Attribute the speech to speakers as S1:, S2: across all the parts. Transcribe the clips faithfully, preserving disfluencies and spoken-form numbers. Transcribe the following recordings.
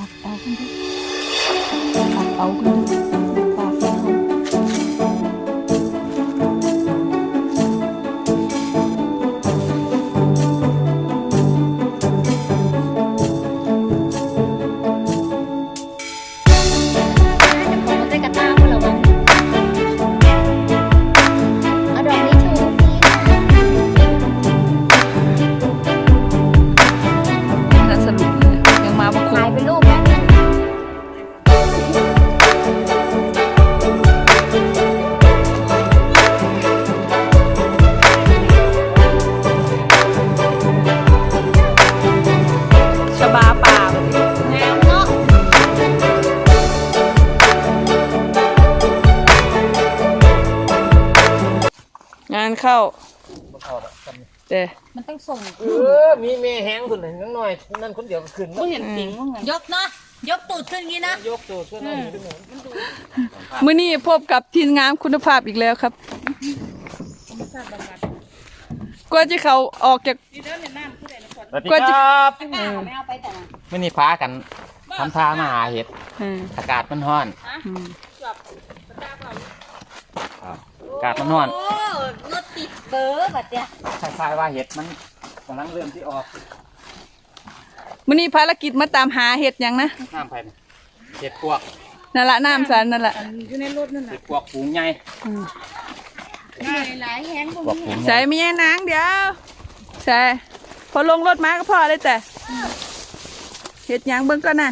S1: ตักเอากันดูตักเอากันดูปากเขางานเข้าเด้
S2: มันต้องส่ง
S3: เออมีเมย์แห้งคนหนึ่งน้อยนั่นคนเดียวก็ขึ้น
S2: ไม่เห็นปิงว่าไงยกเนาะยกตูดขึ้นงี้นะ
S3: ยกตูดขึ้นนั่นนี่หนู
S1: มื้อนี้พบกับทีมงานคุณภาพอีกแล้วครับกว่าจะเขาออกจาก
S3: กว่าจะ
S2: ไม่เอาไปแต่
S3: ไม่นี่ฟ้ากันทำท่ามาหาเห็ดอากาศมันร้อนอากาศมันร้อน
S2: โอ้รถติดเบอร์แบบเนี้ย
S3: คล้ายๆว่าเห็ดมันกำลังเริ่มที่ออก
S1: มื้อนี้ภารกิจมาตามหาเห็ดยังนะ
S3: น้ำไผ่เห็ดพวก
S1: นั่นละน้ำสันนั่นแหละ
S2: อยู่ในรถนั่นแหละ
S3: เห็ดพวกฝูงใหญ่
S2: หลายแห้งตรงนี้
S1: ใส่ไม่แย่นางเดี๋ยวใส่พอลงรถมาก็พอเลยแต่เห็ดยังเบิ่งก่อนนะ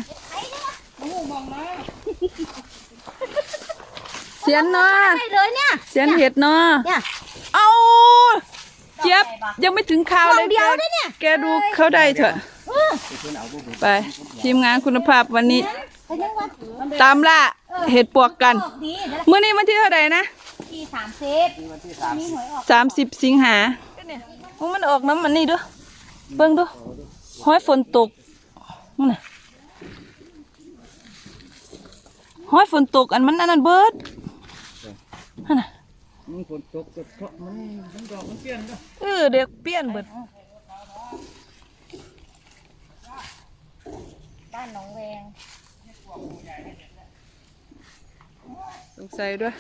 S1: เสียนเนาะเสียนเห็ดเนาะเอาเจี๊ยบยังไม่ถึงข่าวเลยแกดูเขาได้เถอะไปทีมงานคุณภาพวันนี้ตามล่าเห็ดปวกกันเมื่อนี้วันที่เท่าไหร่นะ
S2: ที่สามสิบ
S1: สามสิบสิงหามันออกน้ำมันนี่ดูเบิ่งดูห้อยฝนตกนี่ห้อยฝนตกอันมันอันนั้นเบิดนั่นน่ะ
S3: มันฝนตกก็เพราะมันมันดอกมันเปลี่ยนก็
S1: เออเด็กเปลี่ยนเบิด
S2: บ้านหนองแวง
S1: สงสัยด้วย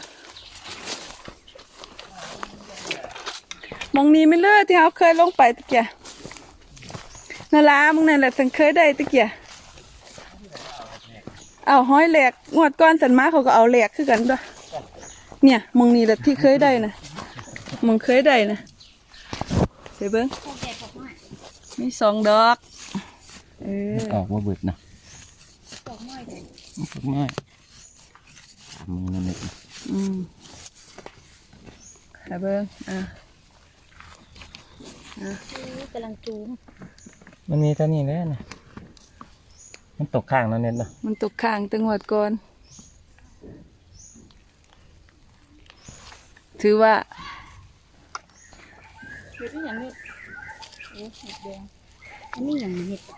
S1: มองนี้ไม่เลิศที่เขาเคยลงไปตะเกียนาลามึงนั่นแหละฉันเคยได้ตะเกียเอาห้อยแหลกงวดก้อนสันมาเขาก็เอาแหลกขึ้นกันด้วยเนี่ยมองนี้แหละที่เคยได้นะมองเคยได้นะเสียเบิ้งมีสองดอกเออ
S3: ออกว่าเบิดนะดอกไม้ดอกไม้มึงนั่นเอง
S1: อืมเสียเบิ้งอ่ะ
S2: กำลังจูม
S3: มันมีตัวนี้แล้วนะมันตกข้างแล้วเน็ตเนาะ
S1: มันตกข้างตั้งหวดก่อนถือว่า
S2: เห็ดนี่อย่างนี้โอ้เห็ดแดงอันนี้อย่างเห็ด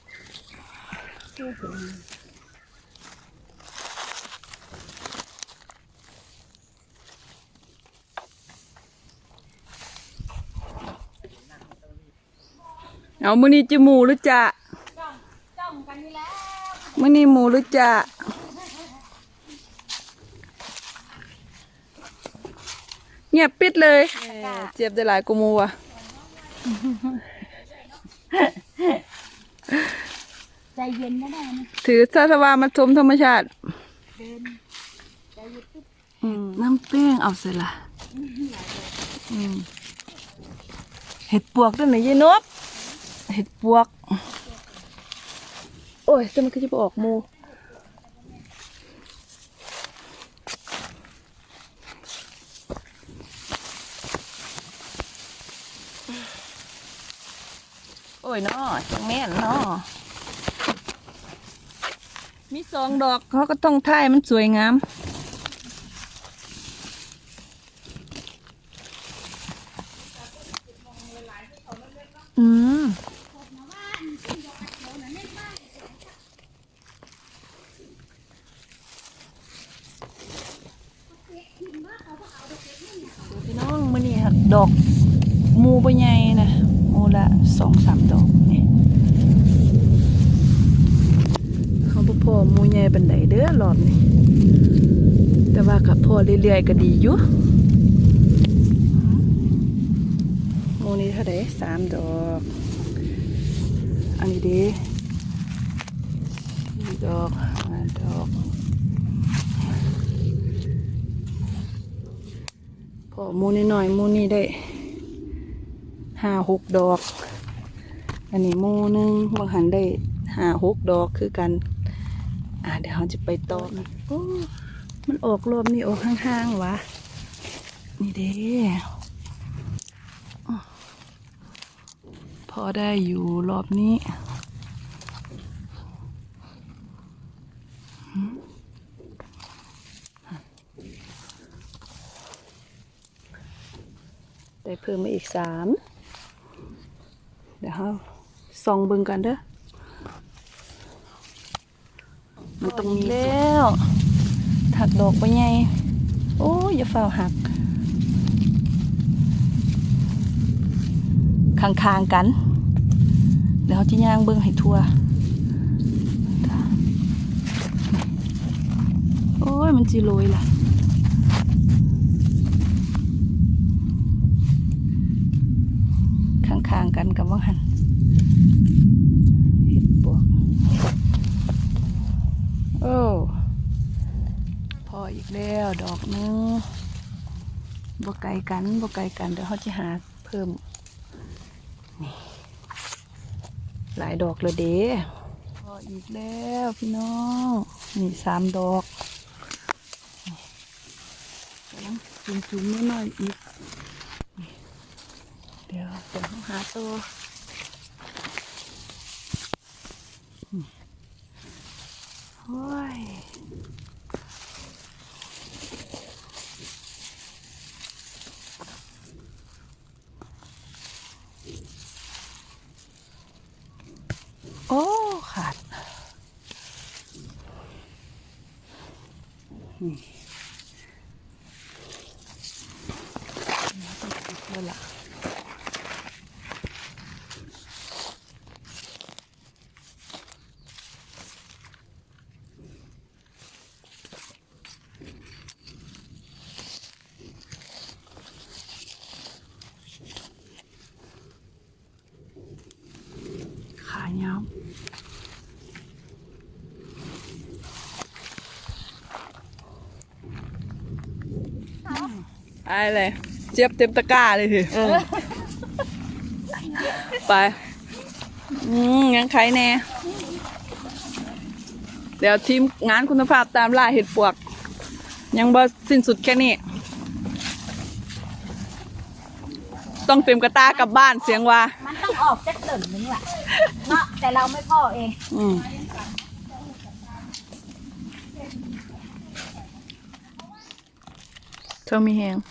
S1: เอามื้อนี้จะหมูหรือจะ
S2: จ้องกันนี่แล้ว
S1: มื้อนี้หมูหรือจะเงียบปิดเลยเจ็บได้หลายกูมูว่ะ
S2: ใจเย็นนะได้นะ
S1: ถือซาสวามาชมธรรมชาติน้ำเป้งเอาเสร็จละเห็ดปวกด้วยไหนยี่นบเห็ดปวกโอ้ยจะมันก็จะไปออกมูโอ้ยน้อจังแม่นน้อมีสองดอกเขาก็ต้องท่ายมันสวยงามอืมพี่น้องมื้อนี้หักดอกมูใบใหญ่นะมูละสองสามดอกนี่เขาหมูใหญ่บันไดเด้อรอบนี้แต่ว่ากับพ่อเรื่อยๆก็ดีอยู่หมูนี้เท่าไหร่สามดอกอันนี้ดีสี่ดอกห้าดอกพ่อหมูนิดหน่อยหมูนี้ได้ห้าหกดอกอันนี้หมูหนึงบางหันได้ห้าหกดอกคือกันอ่าเดี๋ยวเราจะไปต่อกันโอ้มันออกรอบนี้ออกห่างๆวะนี่เด้พอได้อยู่รอบนี้ได้เพิ่มมาอีกสามเดี๋ยวเราส่องเบิ่งกันเด้อมันตรงนี้แล้วถักดอกไปไงโอ้ยอย่าฝ่าหักคางๆกันเดี๋ยวเขาจะย่างเบิ่งให้ทั่วโอ้ยมันจีโรยล่ะคางๆกันกับว่าหันเห็ดบวกโอ้พออีกแล้วดอกนึงบ่ไกลกันบ่ไกลกันเดี๋ยวเขาจะหาเพิ่มนี่หลายดอกเลยเด้พออีกแล้วพี่น้องนี่สามดอกแล้วจุ่มๆน้อยๆอีกเดี๋ยวเดี๋ยวหาตัวโอ้ยโอ้ขาดนี่ต้องติดแล้วล่ะขายาวอะไรเจี๊ยบเต็มตะกร้าเลยทีไปอืมงั้นใครแน่เดี๋ยวทีมงานคุณภาพตามล่าเห็ดปวกยังบ่สิ้นสุดแค่นี้ต้องเต็มกระตากลับบ้านเสียงว่า
S2: มันต้องออกจากเติ่มนึงแหละเนาะแต่เราไม่พ่อเอง
S1: อืมเธอมีแหง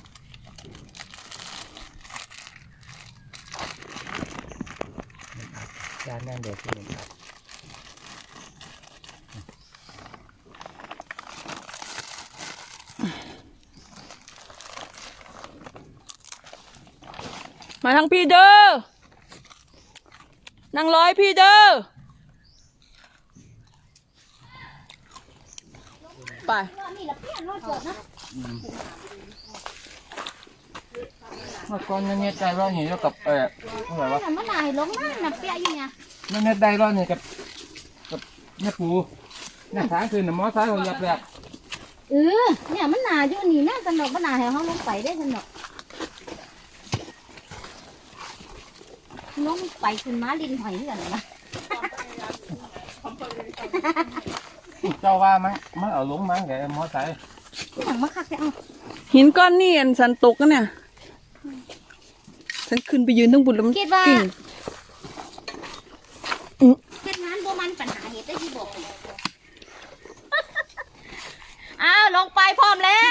S3: จานนั่นเดี๋ยวที่หนึ่ง
S1: มาทางพี่เด้อนั่งร้อยพี่เด้อไป
S3: เมื่อก่อนเนี่ยใจร้อนอยู่แล้วกับเอออะไรวะ
S2: มันนายลงมาน่ะเปียอยู่เนี่ย
S3: เนี่ยใจร้อนเนี่ยกับกับเนี่ยปูเนี่ยสางคืนน่ะมอสายเขาหยับแหลก
S2: เออเนี่ยมันหนาอยู่นี่แม่สนุกมันหนาให้เขาลงไปได้สนุกลงไปขึ้นมาลินหอยเหมือนกันนะ
S3: เจ้าว่ามั้งมันเอาลงมั้งแกมอสาย
S2: อย่างมาคักแกเอา
S1: หินก้อนนี่อันสันตกกันเนี่ยฉันขึ้นไปยืนทั้งบุญแล้วมัน
S2: คิดว่า
S1: กิ่ง
S2: เฮ็ดงานบ่มันปัญหาเหตุได้ที่บอกอ้าวลงไปพร้อมแล้ว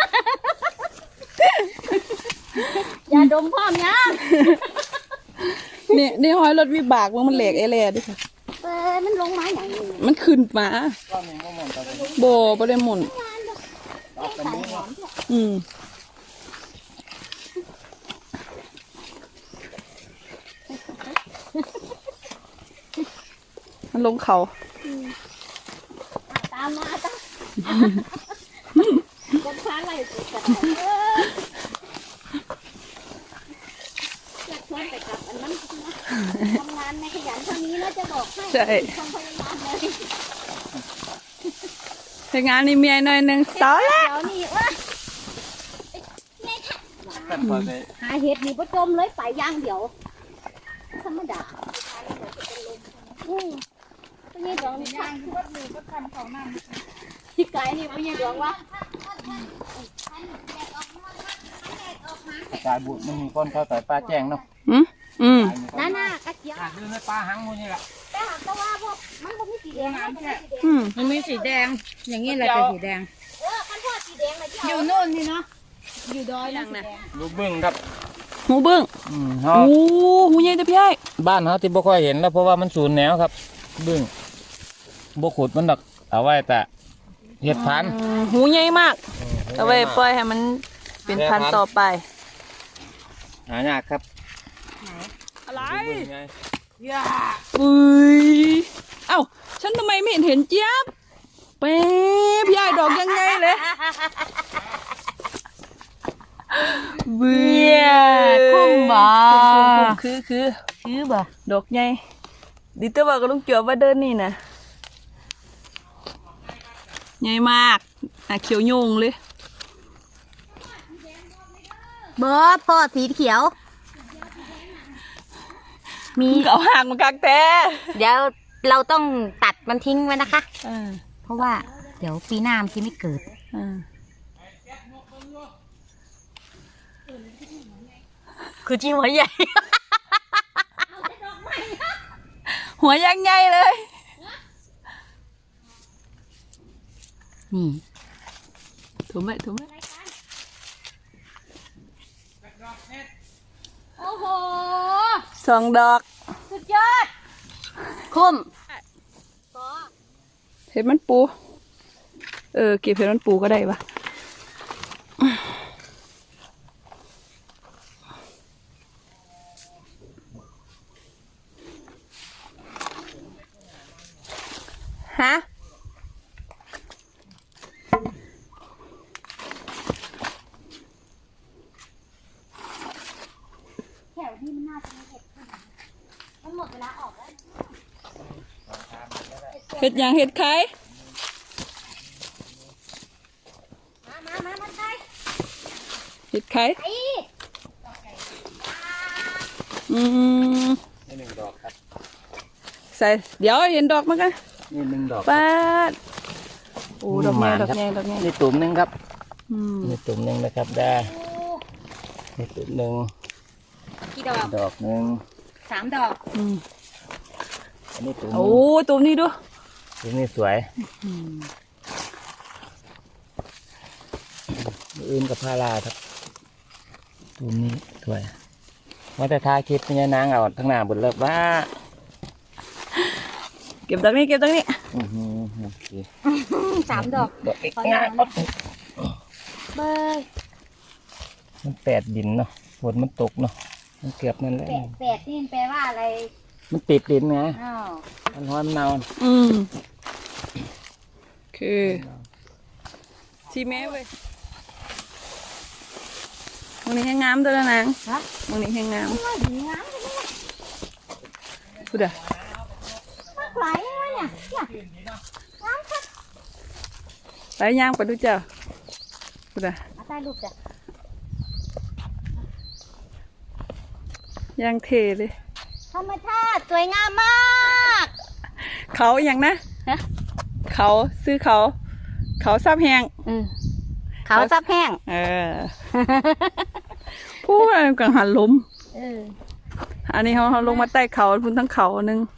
S2: อย่าดมพร้อมยัง
S1: นี่นี่ห้อยรถวิบากมันมันแหลกเอเล่ดิค่ะ
S2: เออมันลงมาอย่างนี้
S1: มันขึ้นมา
S3: ก้อนหนึ่งก็หมดแต่
S1: โบบ่ได้หมุน
S3: ออกกันนี้
S1: อืมมันลงเขา
S2: อามมาจ้ะคนพาไล่ไปกันเออจะชวนไปกับอันนั้นนะทำงานในขยันเท่านี้แล้วจะบอกให้
S1: ใช่
S2: ทำพยายามเลย
S1: ทำงานนี่เมียหน่อยหนึ่งสาวแล้ว
S2: เดี๋ยวนี้ว่า
S3: กันพอไป
S2: หาเห็ดนี่ประจมเลยไปย่างเดี๋ยวธรรมดาอืมตัวนี้ดองนี่ย่างที่วัดมือก็ทำเขานั่นที่ไกลนี่ไม่ใช่ดองวะ
S3: สายบุญมันมีก้นเข้าสายปลาแจ้งเนาะ
S1: อืมอืม
S2: น่าน่ากระเจี๊ยบ
S3: ดูในปลาหางมูนี่แหละ
S2: แต่หากแต่ว่าพวกมันก็มีสีแดงนะมันมีสีแดง
S1: อืม
S4: มันมีสีแดง อย่างนี้แหละเป็นสีแดง
S2: เออคันพวกสีแดงเลยที่
S4: อ
S2: เอา
S4: ยู่โน่นนี่เนาะ อยู่ดอยนั่นนะ
S3: ลูกบึ้งครับ
S1: หูบึ้ง
S3: อืม
S1: โอ้
S3: เฮา
S1: หูใหญ่แต่พี่ไอ้
S3: บ้านเขาที่บ่ค่อยเห็นแล้วเพราะว่ามันสูญแนวครับ บึ้งบ่ขุดมันดอกเอาไว้แต่เห็ดพันธุ์
S1: อืมหูใหญ่มากเอาไว้ปล่อยให้มันเป็นพันธุ์ต่อไป
S3: หายากครับ
S1: อะไร
S3: ลูกบึ้งไง
S1: อุ้ยเอ้าฉันทำไมไม่เห็นเห็นเจี๊ยบเป๊ะพี่ไอ้ดอกยังไงเลยเบื่อ
S4: คุ้มบ่
S1: คุ้มๆคือคือ
S4: คือบ่
S1: ดอกใหญ่ดิเตอร์บอกกับลุงเจียวว่าเดินนี่นะใหญ่มากอ่ะเขียวโยงเลย
S2: เบอร์พ่อสีเขียว มี
S1: เก่าห่างมากักแต่
S2: เดี๋ยวเราต้องตัดมันทิ้งไว้นะคะ
S1: อ่า
S2: เพราะว่าเดี๋ยวปีหน้ามันจะไม่เกิด
S1: อ่า
S2: คือจริงหัวใหญ่
S1: หัวยังใหญ่เลย
S2: นี่
S1: ถูกไหมถูกไหม
S2: โอ้โห
S1: สองดอก
S2: สุดยอดคุ้ม
S1: เห็ดมันปู เออเก็บเห็ดมันปูก็ได้ปะฮะ
S2: แถวที่มันน่าจะมีเห็ดขึ้นมันหมดเวลาออกแล้ว
S1: เห็ดอย่างเห็ดไข่
S2: มามามามาใช่
S1: เห็ดไข่
S2: ไอ้
S1: อืม
S3: นี่หนึ่งดอกครับ
S1: ใส่เดี๋ยวเห็นดอกมั้งกัน
S3: นี่หนึ่งดอก
S1: ป้าดโอ้ดอกใหญ่
S3: หมาน
S1: ดอก
S3: ครับ
S1: ใหญ่ดอกใหญ่
S3: นี่ตุ่มหนึ่งครับ
S1: อืม
S3: นี่ตุ่มหนึ่งนะครับได้นี่ตุ่มหนึ่ง
S2: กี่ดอก
S3: ดอกหนึ่ง
S2: สามดอก
S1: อืม
S3: อันนี้ตุ่มห
S1: โอ้
S3: นึ่ง
S1: ตัวนี้ดู
S3: ตุ่มนี้สวยอื่นกับพาราครับตุ่มนี้สวยว่าแต่ทาคลิปนี่นางเอาทั้งหน้าบนเลิกว่า
S1: เก็บดอกนี้เก็บดอกนี้
S3: อื้อหือโอเค
S2: สามดอก
S3: ดอกง่ายๆปั๊บ
S2: เบย
S3: มันแปดดินเนาะฝนมันตกเนาะมันเกือบนั่นแหละ
S2: แปดแปดนี่แปลว่าอะไร
S3: มันติดดินไง
S2: อ้าว
S3: มันร้อนมันเนา
S1: อืมคือที่แม่เว้ยมึงนี่แห้งงามตัวละนาง
S2: ฮะ
S1: มึงนี่แห้งงาม
S2: ว่าดีงามจังเลย
S1: พูดอะ
S2: มากหลายเลยเนี่ยเนี่ยงามครับ
S1: ไปย่างไปดูเจ้าพูดอะ
S2: เอาใต้ลูกจ้ะ
S1: ย่างเทเลย
S2: ธรรมชาติสวยงามมาก
S1: เขาอย่างนะ
S2: ฮะ
S1: เขาซื้อเขา เขาซับแหง
S2: อืมเขาซับแห้ง
S1: เออ พูดอะไรกังหันลม
S2: เออ
S1: อันนี้เขาเขาลงมาใต้เขาพุ่นทั้งเขาหนึง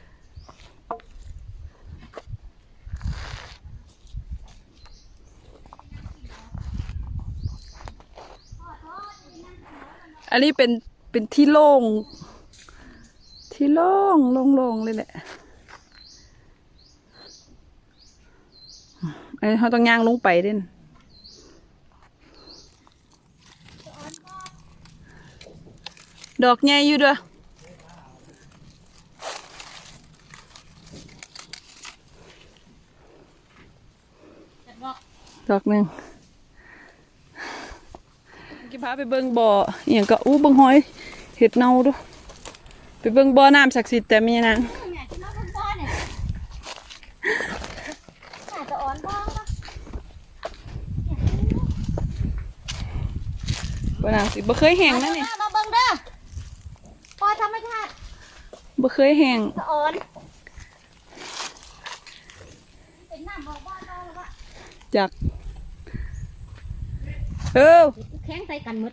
S1: อันนี้เป็นเป็นที่โล่ง ที่โล่งโล่งๆเลยแหละอันนี้เขาต้องย่างลงไปเด่นดอกใหญ่อยู่เด้อดอกหนึ่งกี่พาไปเบิ่งบ่ออหย่างก็อู้เบิ่งหอยเห็ดเน่าดูไปเบิ่งบ่อน้ำศักดิ์สิทธิ์แต่มีนาง
S2: เนี่ยที่น้องพ่อเนี่ยอาจจะอ่อนบ้างนะ
S1: บ่อน้ำสิบ่เคยแห้งนะนี่
S2: มาเบิ่งเด้อปอธรรมชาติ
S1: บ่เคยแห้ง
S2: สะอ่อนเป็นน้ำบอกว่าเราหรือว่า
S1: จากเออ
S2: แข้งใส่กันหมด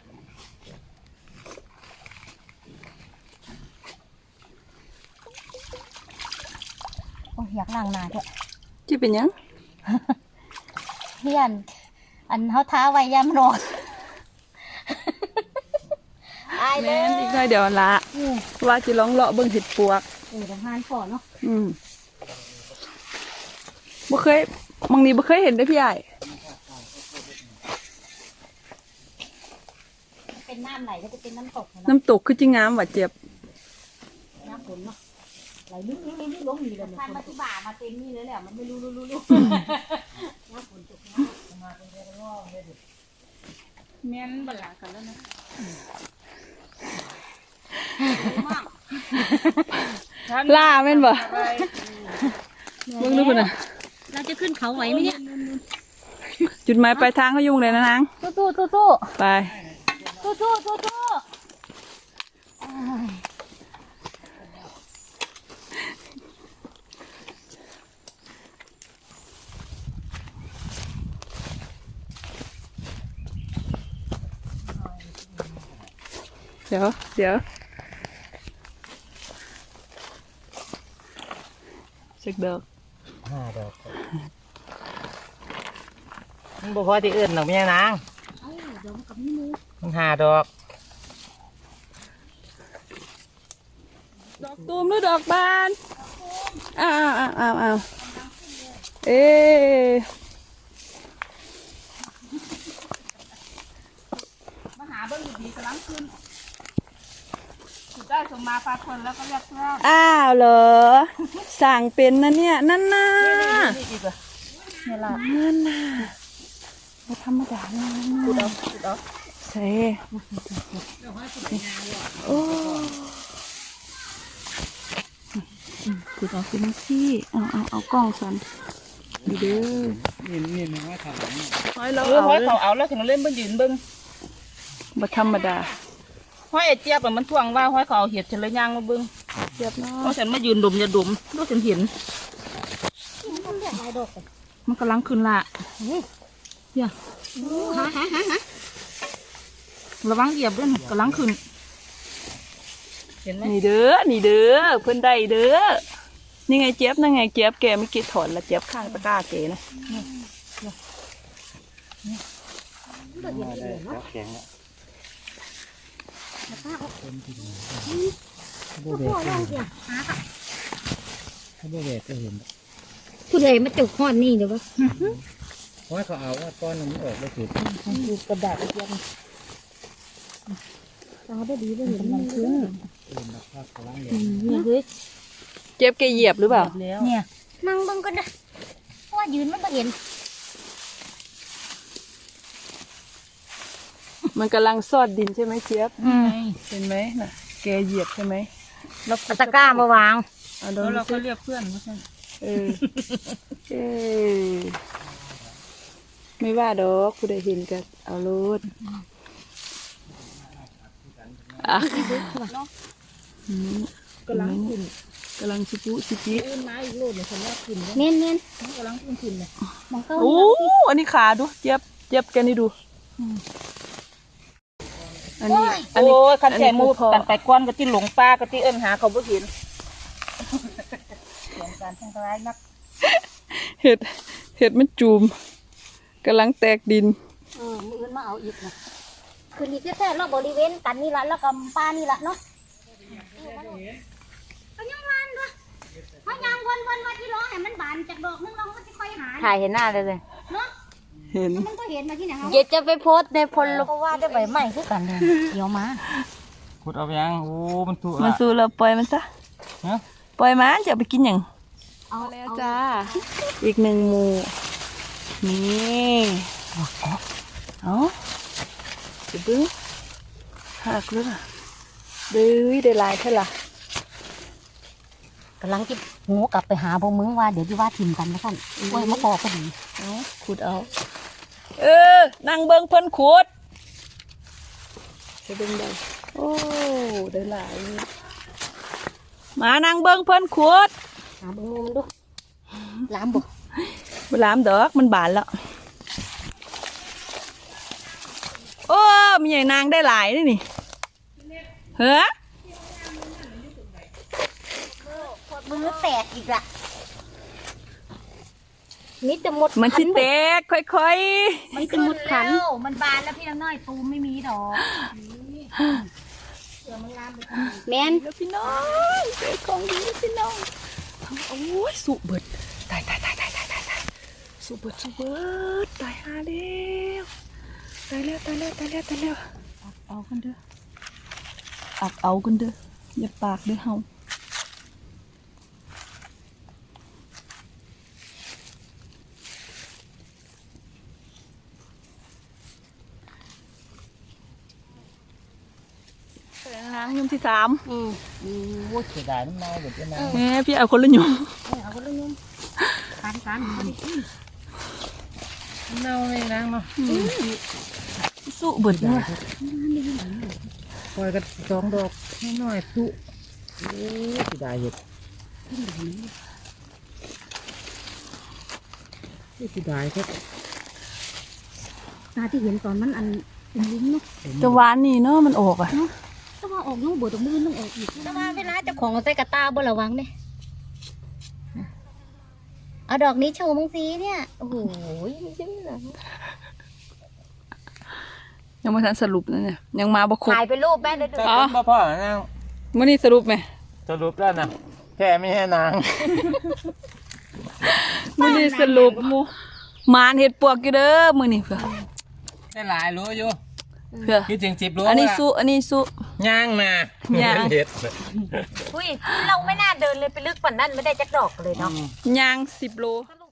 S2: โอ้ยอยากล้างหน้าเถอะ
S1: จิเป็นหยัง
S2: เฮียนอันเขาท้าไว้ยามนอนอายเล
S1: แม่
S2: ย
S1: นอีกหน่อยเดี๋ยวละ
S2: อืม
S1: ว่าสิลองเลาะเบิ่งเห็ดปวก
S2: เออทำงานก่อนเนาะ
S1: อืมบ่เคยบางนี้บ่เคยเห็นได้อพี่ใหญ่
S2: เป็นน้ำไหลก็จะเป็นน้ำตกนะ
S1: น้ำตกคือจิงามว่ะเจ็บ
S2: น้ำฝนเนาะไหลลึกๆๆๆลงนี่เลยพันมาที่บ่ามาเต็มนี่เลยแหละมันไม่รู้รู้รู้รู้น้ำฝนตกน้ำมาเป็นเรื่องงอกเลยดิ
S4: แม่นบลากันแล้วนะ
S1: ล่าแม่นบ่เบิ่งดูพุ่นน่ะ
S2: เราจะขึ้นเขาไหวไหมเนี่ย
S1: จุดหมายปลายทางเขายุ่งเลยนะนาง
S2: สู้สู้สู้สู้
S1: ไป
S2: สู้สู้สู้สู้
S1: เดี๋ยวเดี๋ยวเช็คเด้อ
S3: ห้าดอกมันบ่พอที่อื่นหรอกแม่นาง
S2: เอ้าเดี๋ยวมันกับนี่มือ
S3: มันห้าดอก
S1: ดอกตูมหรือดอกบานอ้าวอ้าวอ้าวอ้าวเอ๊ะ
S4: มาหาเบิ้งดีๆกำลังขึ้นสุดได้สมมาพาคนแล้วก็เรียกเพื่อน
S1: อ้าวเหรอสั่งเป็นนะเนี่ยนั่นน่ะ
S3: นี่อีกเหรอ
S2: เนี่ยล่ะ
S1: นั่นน่ะไม่ธรรมดาเลย
S2: กูเอากูเอา
S1: เซ่โอ้กูเอาเป็นซี่เอาเอาเอากล้องสันดีเด้อ
S3: นี่นี่มันว่าถาม
S1: ห้อยเรา
S4: เออ
S1: เอา
S4: ห้อย
S1: เลย
S4: เขาเอาแล้วถึงเล่นเบิ้งยืนเบิ้ง
S1: บ่ธรรมดา
S4: ห้อยไอ้เจี๊ยบอะมันทวงว่าห้อยเขาเอาเห็ดฉันเลยย่างมาเบิ้ง
S1: เจ็บเนา
S4: เพราะ
S1: ะ
S4: ฉันมายืนดมอย่าดมดูฉันเห็น
S2: มันเรียกลายดอกเลย
S4: มันกำลังขึ้นละอย่า
S2: หาหาหาหา
S4: ระวังเหยียบด้วยกำลังขึ้นเห็นไหม
S1: นี่เด้อนี่เด้อเพิ่นได้เด้อนี่ไงเจ็บนั่นไงเจ็บแกไม่อกี่ถอนละเจ็บข้างตะกร้าเกนะ
S2: เปิดเห็นเลยเนาะ
S3: แข็งแล้ว
S2: พ่อพ่อลองเสียหาค่ะ
S3: ถ้าบ่แบกก็เห็น
S2: ผู้ใดมาจุกห้อนนี่เดี๋ยววะ
S3: เพราะเขาเอาว่าก้อนมันออกได้สุด
S2: ดูกระดาษเย็นตาได้ดีได้เห็นมันขึ้น
S3: เป็นแบบภาพกำลัง
S2: เนี่ยเฮ้ย
S1: เจ็บแกเหยียบหรือเปล่า
S4: แล้ว
S2: เนี่ยนั่งเบิ่งกันนะเพราะว่ายืนมันไม่เห็น
S1: มันกำลังซอดดินใช่ไหมเจี๊ยบเห็นไหมน่ะแกเหยียบใช่ไหม
S4: แล้ว
S2: ตะกร้ามาวาง
S1: เอาโด
S4: แล้ว
S1: น
S4: เรา
S1: ซิ
S4: ก็เรียกเพื่อนว่าฉัน
S1: เออเออไม่ว่าดอกกูได้เห็นกันเอาโลดอ่ะอืม
S4: กำลังขึ้น
S1: กำลังชิปุชิปิ
S4: ขึ้นมาอีกโลดเนี่ยฉันว่าขึ้นแล้ว
S2: เน้นเน้น
S4: กำลังขึ้นขึ้นเลย
S2: มองเข้า
S1: โอ้อันนี้ขาดูเจี๊ยบเจี๊ยบแกนี่ดูอันนี้อัน
S4: โอ้
S1: นี้
S4: ยคันแก่มู
S1: อันนี้พอ
S4: กันไปก้อนก็ที่หลงป้าก็ที่เอิ้นหาเขาบ่เห็นเสียงการทั้งร้ายนัก
S1: เห็ดเห็ดมันจูมกำลังแตกดิน
S2: เออมืออื่นมาเอาอีกนะคืนนี้แค่ๆรอบบริเวณกันนี่ละแล้วก็ป้านี่ละเนาะก็ยังวันด้วยเพราะยังวนวนว่าที่ร้องให้มันบานจากดอกนึงเราก็จะค่อยหา
S4: ถ่ายเห็นหน้าเลยเลย
S2: เนาะ
S1: เห็น
S2: มันก็เห็นมาที่ไหนเขา
S4: เย็ดจะไปโพสในพล
S2: ก็ว่าได้ใบใหม่คือกันเลยเดี๋ยวมา
S3: ขุดเอาไปยังโอ้มันถูก
S1: มันสู้เราปล่อยมันซะ
S3: ฮะ
S1: ปล่อยมันจะเอาไปกินอย่าง
S2: เอา
S1: แล้วจ้าอีกหนึ่งหมูนี่เอาเดี๋ยวเบิ้งหักเลยล่ะเด้ยได้หลายเท่าล่ะ
S2: กำลังจะหูกลับไปหาพวกมึงว่าเดี๋ยวที่ว่าทิมกันนะท่านโอ้ยมะกอกก็ดี
S1: เอาขุดเอาเออนั่งเบิ้งเพิ่นขุดจะดึงได้โอ้ได้หลายมานั่งเบิ้งเพิ่นขุด
S2: หาเบิ้งมือมันดูล้ามบ่
S1: เวลามดอกมันบานแล้วโอ้มีใหญ่นางได้หลายนี่นี่เฮ้อ
S2: มือแตกอีกละมิดจะหมด
S1: มันสิแตกค่อย
S2: มันจะหมดขันมันบานแล้วพี่น้อยตูไม่มีดอกแมน
S1: ๆแล้วพี่น้องเจอของดีพี่น้องโอ้ยสุเบิดตายตายตายตายตายตายตายสุเบิดสุเบิดตายหาแล้วตายแล้วตายแล้วตายแล้วตายแล้วอักเอากันเด้ออักเอากันเด้ออย่าปากเด้อเฮานางยมที่สาม
S2: อืม
S3: โอ้ยเสียดายน้ำเน่าเดี๋ยวจะมา
S1: แม่พี่เอาคนละหยม
S2: เอาก็เลยนุ่มทานกัน
S3: น้ำเน่าเลยนางเนาะ
S1: สุเบิดเลย
S3: ปล่อยกันสองดอกน้อยๆสุโอ้ยเสียดายเห็ดเสียดายครับ
S2: ตาที่เห็นตอนมันอันลิ้นเนาะ
S1: จะหวานนี่เนาะมันออกอ่ะ
S2: ถ้าว่าออกน้องบดตรงมือต้องออกอีกถ้าว่าเวลาเจ้าของเอาใส่กระตาบ่ระวังเนี่ยเอาดอกนี้โชว์มังซีเนี่ยโอ้โหใช่ไหมล่ะ
S1: ยังไม่ทันสรุปนะเนี่ยยังมาบ่ครบ
S2: ถ่ายเป็นรูปแม่เลยดู
S3: จะเป็นพ่อพ่อนาง
S1: มื่อนี้สรุปไหม
S3: สรุปแล้วนะแค่ไม่ให้นาง
S1: มื่อนี้สรุปหมูหมานเห็ดปวกอยู่เด้อมื่อนี้เพื่อ
S3: ได้หลายรู้อยู่
S1: เพื่อ
S3: คิดถึงสิบรู้
S1: อันนี้สุอันนี้สุ
S3: ย่างนะ
S1: ย่าง
S3: เห็ด
S2: อุ้ยเราไม่น่าเดินเลยไปลึกกว่านั้นไม่ได้จักดอกเลยเนาะ
S1: ยางสิบโล